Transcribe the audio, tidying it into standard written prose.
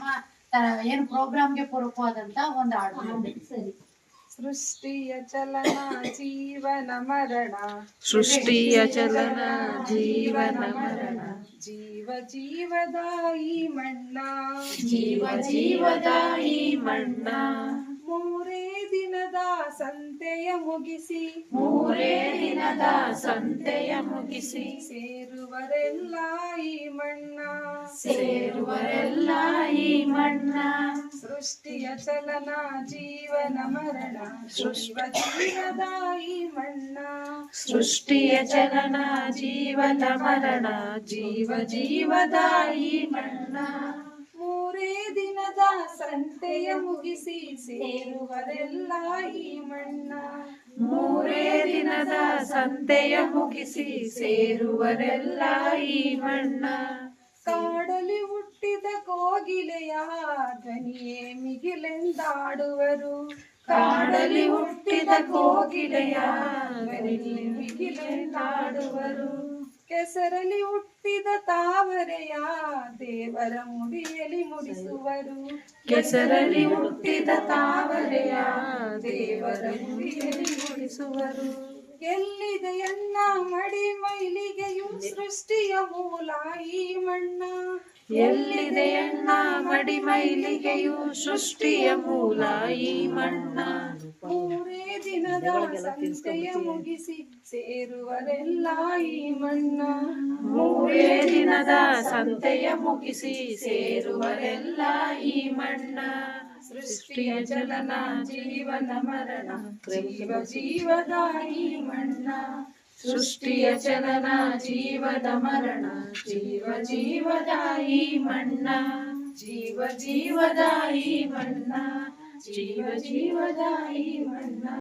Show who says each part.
Speaker 1: ಏನು ಪ್ರೋಗ್ರಾಮ್ಗೆ ಪೂರಕವಾದಂತ ಒಂದು ಹಾಡು.
Speaker 2: ಸರಿ.
Speaker 3: ಸೃಷ್ಟಿಯ ಚಲನ ಜೀವನ ಮರಣ,
Speaker 4: ಸೃಷ್ಟಿಯ ಚಲನ ಜೀವನ ಮರಣ,
Speaker 3: ಜೀವ ಜೀವದ ಈ ಮಣ್ಣ,
Speaker 4: ಜೀವ ಜೀವದ ಈ ಮಣ್ಣ,
Speaker 3: ಮೂರೇ ದಿನದ ಸಂತೆಯ ಮುಗಿಸಿ,
Speaker 4: ಮೂರೇ ದಿನದ ಸಂತೆಯ ಮುಗಿಸಿ,
Speaker 3: ಸೇರುವರೆಲ್ಲ ಈ ಮಣ್ಣ,
Speaker 4: ಸೇರುವರೆಲ್ಲ ಈ ಮಣ್ಣ,
Speaker 3: ಸೃಷ್ಟಿಯ ಚಲನ ಜೀವನ ಮರಣ, ಜೀವ ಜೀವದ ಈ ಮಣ್ಣ,
Speaker 4: ಸೃಷ್ಟಿಯ ಚಲನ ಜೀವನ ಮರಣ, ಜೀವ ಜೀವದ ಈ ಮಣ್ಣ,
Speaker 3: ಮೂರೇ ದಿನದ ಸಂತೆಯ ಮುಗಿಸಿ, ಸೇರುವರೆಲ್ಲ ಈ ಮಣ್ಣ,
Speaker 4: ಮೂರೇ ದಿನದ ಸಂತೆಯ ಮುಗಿಸಿ, ಸೇರುವರೆಲ್ಲ ಈ ಮಣ್ಣ,
Speaker 3: ಕಾಡಲಿ ಹುಟ್ಟಿದ ಕೋಗಿಲೆಯ ಧ್ವನಿಯೇ ಮಿಗಿಲೆಂದಾಡುವರು,
Speaker 4: ಕಾಡಲಿ ಹುಟ್ಟಿದ ಕೋಗಿಲೆಯ ಧ್ವನಿಯೇ ಮಿಗಿಲೆಂದಾಡುವರು,
Speaker 3: ಕೆಸರಲಿ ಹುಟ್ಟಿದ ತಾವರೆಯ ದೇವರ ಮುಡಿಯಲಿ ಮುಡಿಸುವರು,
Speaker 4: ಕೆಸರಲ್ಲಿ ಹುಟ್ಟಿದ ತಾವರೆಯ ದೇವರ ಮುಡಿಯಲಿ ಮುಡಿಸುವರು,
Speaker 3: ಎಲ್ಲಿದೆ ಎನ್ನ ಮಡಿ ಮೈಲಿಗೆಯು ಸೃಷ್ಟಿಯ ಮೂಲ ಈ ಮಣ್ಣ,
Speaker 4: ಎಲ್ಲಿದೆ ಎನ್ನ ಮಡಿ ಮೈಲಿಗೆಯು ಸೃಷ್ಟಿಯ ಮೂಲ ಈ ಮಣ್ಣ,
Speaker 3: ಮೂರೇ ದಿನದ ಸಂತೆಯ ಮುಗಿಸಿ, ಸೇರುವರೆಲ್ಲ ಈ ಮಣ್ಣ,
Speaker 4: ಮೂರೇ ದಿನದ ಸಂತೆಯ ಮುಗಿಸಿ, ಸೇರುವರೆಲ್ಲ ಈ ಮಣ್ಣ, ಸೃಷ್ಟಿಯ ಚಲನ ಜೀವನ ಮರಣ,
Speaker 3: ಜೀವ ಜೀವದ ಈ ಮಣ್ಣ,
Speaker 4: ಸೃಷ್ಟಿಯ ಚಲನ ಜೀವದ ಮರಣ, ಜೀವ ಜೀವದ ಈ ಮಣ್ಣ, ಜೀವ ಜೀವದ ಈ ಮಣ್ಣ, ಜೀವ ಜೀವದ ಈ ಮಣ್ಣ.